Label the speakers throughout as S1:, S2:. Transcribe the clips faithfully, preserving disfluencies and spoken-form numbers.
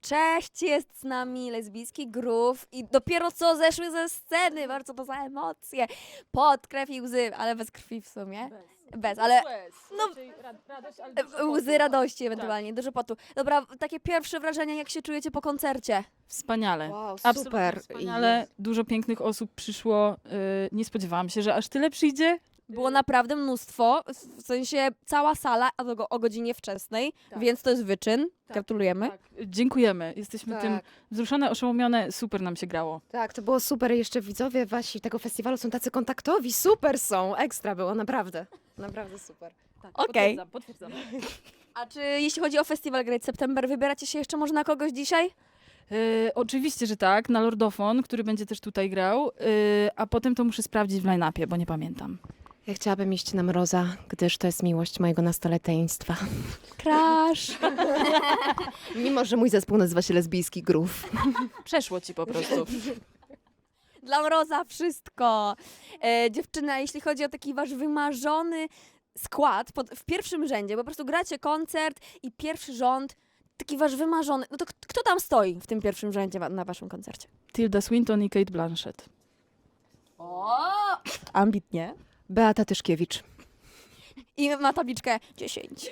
S1: Cześć, jest z nami lesbijski groove i dopiero co zeszły ze sceny, bardzo to za emocje, pod krew i łzy, ale bez krwi w sumie.
S2: Bez,
S1: Bez, ale
S2: Łez.
S1: no-
S2: Raczej ra- radość, ale
S1: e,
S2: dużo potu.
S1: łzy radości ewentualnie, dużo potu. Dobra, takie pierwsze wrażenia, jak się czujecie po koncercie?
S2: Wspaniale.
S3: Wow,
S2: Absolutnie
S3: super.
S2: wspaniale. Dużo pięknych osób przyszło. Yy, nie spodziewałam się, że aż tyle przyjdzie.
S1: Było naprawdę mnóstwo, w sensie cała sala, a to go- o godzinie wczesnej,
S2: Tak.
S1: więc to jest wyczyn.
S2: Tak,
S1: Gratulujemy.
S2: Tak. Dziękujemy. Jesteśmy
S3: Tak.
S2: tym wzruszone, oszołomione. Super nam się grało.
S3: Tak, to było super. Jeszcze widzowie wasi tego festiwalu są tacy kontaktowi. Super są. Ekstra było, naprawdę. Naprawdę super.
S2: Tak,
S1: Okej.
S2: Potwierdzam, potwierdzam.
S1: A czy jeśli chodzi o festiwal Great September, wybieracie się jeszcze może na kogoś dzisiaj?
S2: Yy, oczywiście, że tak. Na Lordofon, który będzie też tutaj grał. Yy, a potem to muszę sprawdzić w line-upie, bo nie pamiętam.
S3: Ja chciałabym iść na Mroza, gdyż to jest miłość mojego nastoleteństwa.
S1: Crash!
S3: Mimo, że mój zespół nazywa się Lesbijski Groove.
S2: Przeszło ci po prostu.
S1: Dla Mroza wszystko. E, dziewczyna, jeśli chodzi o taki wasz wymarzony skład pod, w pierwszym rzędzie, po prostu gracie koncert i pierwszy rząd, taki wasz wymarzony, no to k- kto tam stoi w tym pierwszym rzędzie wa- na waszym koncercie?
S2: Tilda Swinton i Kate Blanchett.
S1: O, ambitnie.
S3: Beata Tyszkiewicz.
S1: I ma tabliczkę dziesięć.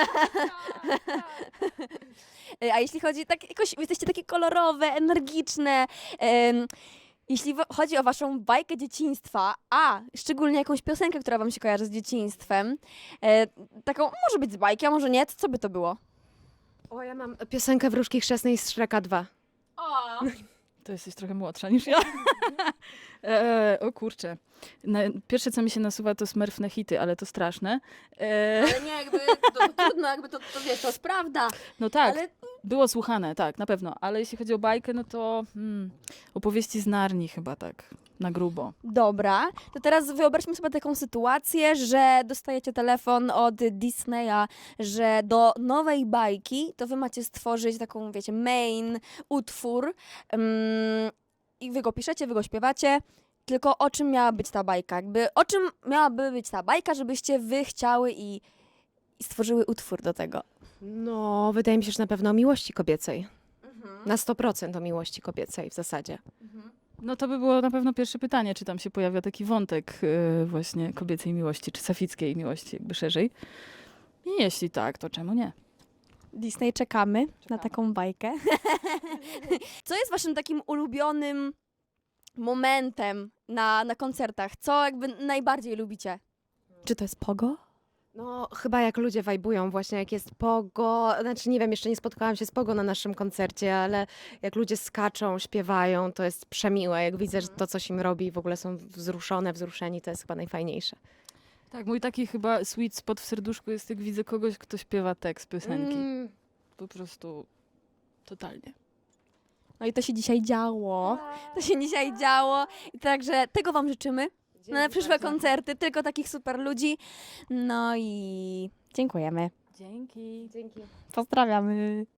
S1: E, A jeśli chodzi, tak jakoś, wy jesteście takie kolorowe, energiczne. em, Jeśli wo- chodzi o waszą bajkę dzieciństwa, a szczególnie jakąś piosenkę, która wam się kojarzy z dzieciństwem, e, taką może być z bajki, a może nie, to co by to było?
S3: O, ja mam piosenkę Wróżki Chrzestnej z Shreka dwa.
S2: To jesteś trochę młodsza niż ja. e, o kurczę. Na, pierwsze, co mi się nasuwa, to smurfne hity, ale to straszne. E,
S1: Ale nie, jakby to, to trudno, jakby to, to wiesz, to jest prawda.
S2: no tak,
S1: Ale
S2: było słuchane, tak, na pewno. Ale jeśli chodzi o bajkę, no to hmm, opowieści z Narni chyba tak, na grubo.
S1: dobra, to teraz wyobraźmy sobie taką sytuację, że dostajecie telefon od Disneya, że do nowej bajki to wy macie stworzyć taką, wiecie, main utwór ym, i wy go piszecie, wy go śpiewacie. Tylko o czym miała być ta bajka? Jakby, o czym miałaby być ta bajka, żebyście wy chciały i, i stworzyły utwór do tego?
S3: No, wydaje mi się, że na pewno o miłości kobiecej. Na sto procent o miłości kobiecej w zasadzie.
S2: No to by było na pewno pierwsze pytanie, czy tam się pojawia taki wątek e, właśnie kobiecej miłości, czy safickiej miłości jakby szerzej. I jeśli tak, to czemu nie?
S1: Disney, czekamy, na
S2: Czekamy.
S1: taką bajkę. Co jest waszym takim ulubionym momentem na, na koncertach? Co jakby najbardziej lubicie? Czy to jest pogo?
S3: No, chyba jak ludzie wajbują właśnie, jak jest pogo, znaczy nie wiem, jeszcze nie spotkałam się z pogo na naszym koncercie, ale jak ludzie skaczą, śpiewają, to jest przemiłe. Jak widzę, że to coś im robi i w ogóle są wzruszone, wzruszeni, to jest chyba najfajniejsze.
S2: Tak, mój taki chyba sweet spot w serduszku jest, jak widzę kogoś, kto śpiewa tekst piosenki.
S3: Mm.
S2: Po prostu totalnie.
S1: No i to się dzisiaj działo. To się dzisiaj działo. I także tego wam życzymy na przyszłe koncerty. Tylko takich super ludzi. No i dziękujemy.
S2: Dzięki.
S3: Dzięki.
S1: Pozdrawiamy.